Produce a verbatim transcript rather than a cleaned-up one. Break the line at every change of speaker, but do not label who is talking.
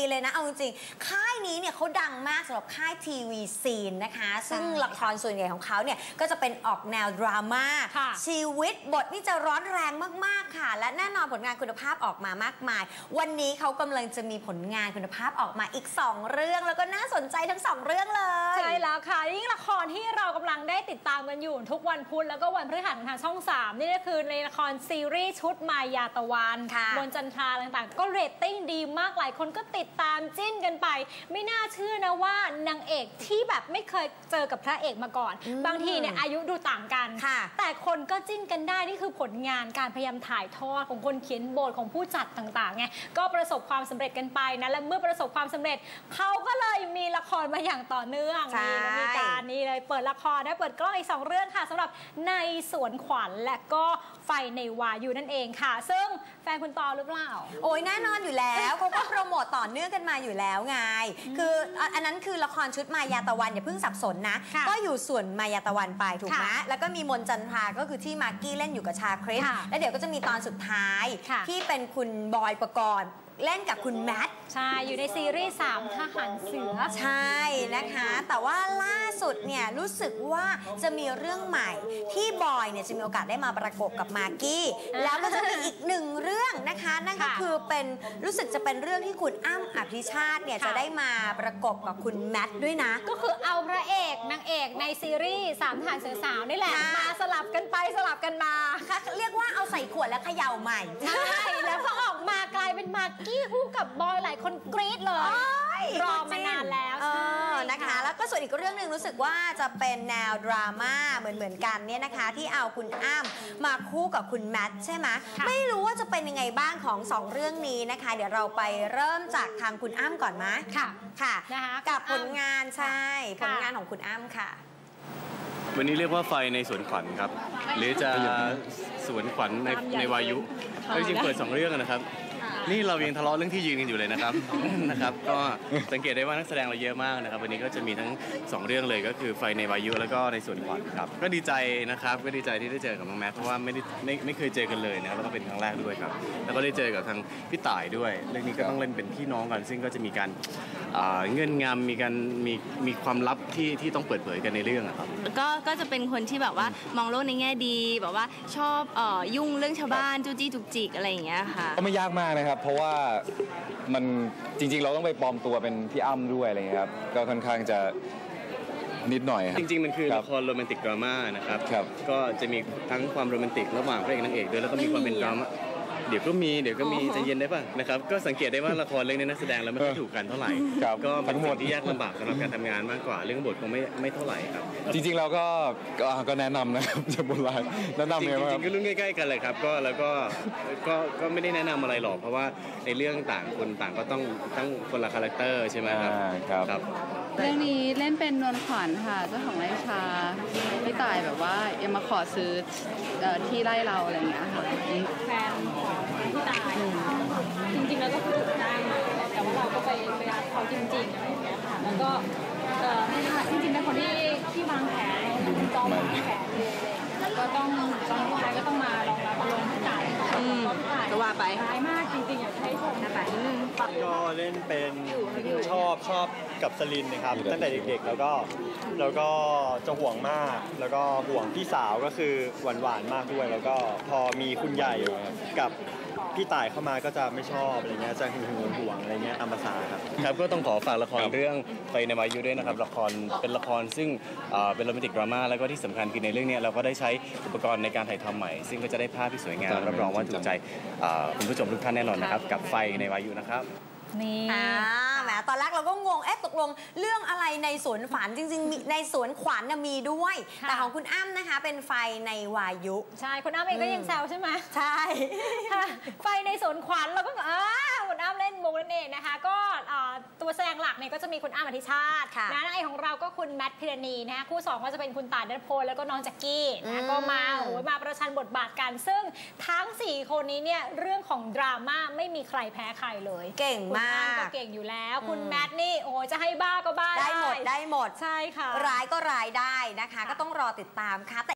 เลยนะเอาจริงๆค่ายนี้เนี่ยเขาดังมากสำหรับค่ายทีวีซีนนะคะซึ่งละครส่วนใหญ่ของเขาเนี่ยก็จะเป็นออกแนวดราม่าชีวิตบทนี่จะร้อนแรงมากๆค่ะและแน่นอนผลงานคุณภาพออกมามากมายวันนี้เขากำลังจะมีผลงานคุณภาพออกมาอีกสองเรื่องแล้วก็น่าสนใจทั้งสองเรื่องเลย
ใช่แล้วค่ะยิ่งละครที่เรากำลังได้ติดตามกันอยู่ทุกวันพุธแล้วก็วันพฤหัสของทางช่องสามนี่ก็คือในละครซีรีส์ชุดมายาตะวันบนจันทราต่างๆก็เรตติ้งดีมากหลายคนก็ติดตามจิ้นกันไปไม่น่าเชื่อนะว่านางเอกที่แบบไม่เคยเจอกับพระเอกมาก่อนบางทีเนี่ยอายุดูต่างกันแต่คนก็จิ้นกันได้นี่คือผลงานการพยายามถ่ายทอดของคนเขียนบทของผู้จัดต่างๆไงก็ประสบความสำเร็จกันไปนะและเมื่อประสบความสำเร็จเขาก็เลยมีละครมาอย่างต่อเนื่องนี่มีการนี่เลยเปิดละครได้เปิดกล้องอีกสองเรื่องค่ะสำหรับในสวนขวัญและก็ไฟในวายุนั่นเองค่ะซึ่งแฟนคุณตอหรือเปล่า
โอ้ยแน่นอนอยู่แล้วเขาก็โปรโมตต่อเนื่องกันมาอยู่แล้วไงคืออันนั้นคือละครชุดมายาตะวันอย่าเพิ่งสับสนนะก็อยู่ส่วนมายาตะวันไปถูกไหมแล้วก็มีมนจันทราก็คือที่มากกี้เล่นอยู่กับชาคริสแล้วเดี๋ยวก็จะมีตอนสุดท้ายที่เป็นคุณบอยปกรณ์เล่นกับคุณแมท
ใช่อยู่ในซีรีส์สามทหารเสือ
ใช่นะคะแต่ว่าล่าสุดเนี่ยรู้สึกว่าจะมีเรื่องใหม่ที่บอยเนี่ยจะมีโอกาสได้มาประกบกับมากกี้แล้วก็จะมีอีกหนึ่งเรื่องนะคะนั่นก็คือเป็นรู้สึกจะเป็นเรื่องที่คุณอ้ำอภิชาติเนี่ยจะได้มาประกบกับคุณแมทด้วยนะ
ก็คือเอาพระเอกนางเอกในซีรีส์สามทหารเสือสาวนี่แหละมาสลับกันไปสลับกันมา
เรียกว่าเอาใส่ขวดแล้วเขย่าใหม่
ใช่แล้วพอออกมากลายเป็นมากกี้คู่กับบอยหลายคนกรี๊ดเลยรอมานานแล้วใช่
นะคะแล้วก็ส่วนอีกเรื่องหนึ่งรู้สึกว่าจะเป็นแนวดราม่าเหมือนเหมือนกันเนี่ยนะคะที่เอาคุณอ้ำมาคู่กับคุณแมทใช่ไหมไม่รู้ว่าจะเป็นยังไงบ้างของสองเรื่องนี้นะคะเดี๋ยวเราไปเริ่มจากทางคุณอ้ำก่อนไหม
ค่ะ
ค่ะกับผลงานใช่ผลงานของคุณอ้ำค่ะ
วันนี้เรียกว่าไฟในสวนขวัญครับหรือจะสวนขวัญในในวายุจริงๆเปิดสองเรื่องนะครับนี่เรายังทะเลาะเรื่องที่ยืนกันอยู่เลยนะครับนะครับก็สังเกตได้ว่านักแสดงเราเยอะมากนะครับวันนี้ก็จะมีทั้งสองเรื่องเลยก็คือไฟในวายุแล้วก็ในสวนขวัญครับก็ดีใจนะครับก็ดีใจที่ได้เจอกับน้องแมทเพราะว่าไม่ได้ไม่ไม่เคยเจอกันเลยนะครับแล้วก็เป็นครั้งแรกด้วยครับแล้วก็ได้เจอกับทางพี่ต่ายด้วยเรื่องนี้ก็ต้องเล่นเป็นพี่น้องกันซึ่งก็จะมีการเงื่อนงำมีการมีมีความลับที่ที่ต้องเปิดเผยกันในเรื่องครับ
ก็ก็จะเป็นคนที่แบบว่ามองโลกในแง่ดีแบบว่าชอบเอ่อยุ่งเรื่องชาวบ้านจู้จี้จุกจิกอะไรอย่างเงี้ยค่ะ
ก็ไม่ยากมากนะครับเพราะว่ามันจริงๆเราต้องไปปลอมตัวเป็นพี่อ้ำด้วยอะไรเงี้ยครับก็ค่อนข้างจะนิดหน่อย
จริงๆมันคือละครโรแมนติกดราม่านะครับก็จะมีทั้งความโรแมนติกระหว่างพระเอกนางเอกด้วยแล้วก็มีความเป็นดราม่าเดี๋ยวก็มีเดี๋ยวก็มีใจเย็นได้ป่ะนะครับก็สังเกตได้ว่าละครเรื่องนี้นักแสดงเราไม่ค่อยถูกกันเท่าไหร่ก็เป็นบทที่ยากลำบากสำหรับการทำงานมากกว่าเรื่องบทคงไม่ไม่เท่าไหร่ครับ
จริงๆเราก็ก็แนะนำนะครับจะโบราณแนะนำเลยว่า
จริงๆก็รุ่นใกล้ๆกันเลยครับก็แล้วก็ก็ก็ไม่ได้แนะนำอะไรหรอกเพราะว่าในเรื่องต่างคนต่างก็ต้องตั้งคนละคาแรคเตอร์ใช่ไหมครับ
ครับ
เรื่องนี้เล่นเป็นนวลขวัญค่ะเจ้าของไร่ชาพี่ต่ายแบบว่ายังมาขอซื้อที่ไร่เราอะไรอย่างเงี้ยค่ะ
แฟนพี่ต่ายจริงๆแล้วก็คือถูกจ้างแต่ว่าเราก็ไปไปรับเขาจริงๆอะไรอย่างเงี้ยค่ะแล้วก็จริงๆเป็นคนที่ที่วางแผนจองวางแผนเลยแล้วก็ต้องต้องวายก็ต้องมาลองรับลงพี่ต่าย
ก็ว่าไป
ร้ายมากจริงๆอยากให้ชมนะคะ
ก็เล่นเป็นชอบชอบกับสลินนะครับตั้งแต่เด็กๆแล้วก็แล้วก็จะห่วงมากแล้วก็ห่วงพี่สาวก็คือหวานๆมากด้วยแล้วก็พอมีคุณใหญ่กับพี่ต่ายเข้ามาก็จะไม่ชอบอะไรเงี้ยจะหึงหวงห่วงอะไรเงี้ยตามภาษาครับ
ครับก็ต้องขอฝากละครเรื่องไฟในวายุด้วยนะครับละครเป็นละครซึ่งเป็นโรแมนติกดราม่าแล้วก็ที่สำคัญคือในเรื่องนี้เราก็ได้ใช้อุปกรณ์ในการถ่ายทำใหม่ซึ่งก็จะได้ภาพที่สวยงามรับรองว่าถูกใจคุณผู้ชมทุกท่านแน่นอนนะครับกับไฟในวายุนะครับ
นี่แหมตอนแรกเราก็งงเอ๊ะตกลงเรื่องอะไรในสวนฝันจริงๆในสวนขวัญมีด้วยแต่ของคุณอ้ำนะคะเป็นไฟในวายุ
ใช่คุณอ้ำเองก็ยังแซวใช่ไหม
ใช่
ไฟในสวนขวัญเราก็อ่าคุณอ้ำเล่นมุกนั่นเองนะคะก็ตัวแสดงหลักเนี่ยก็จะมีคุณอ้ำอธิชาตินะนางเอกของเราก็คุณแมทพิรณีนะคะคู่สองก็จะเป็นคุณต่ายณัฐพลแล้วก็น้องแจ็คกี้นะก็มาโอ้ยมาประชันบทบาทกันซึ่งทั้งสี่คนนี้เนี่ยเรื่องของดราม่าไม่มีใครแพ้ใครเลย
เก่งมาก
ก็เก่งอยู่แล้วคุณแมทนี่โอ้จะให้บ้าก็บ้า
ได้หมดได้หมด
ใช่ค่ะ
ร้ายก็ร้ายได้นะคะก็ต้องรอติดตามค่ะ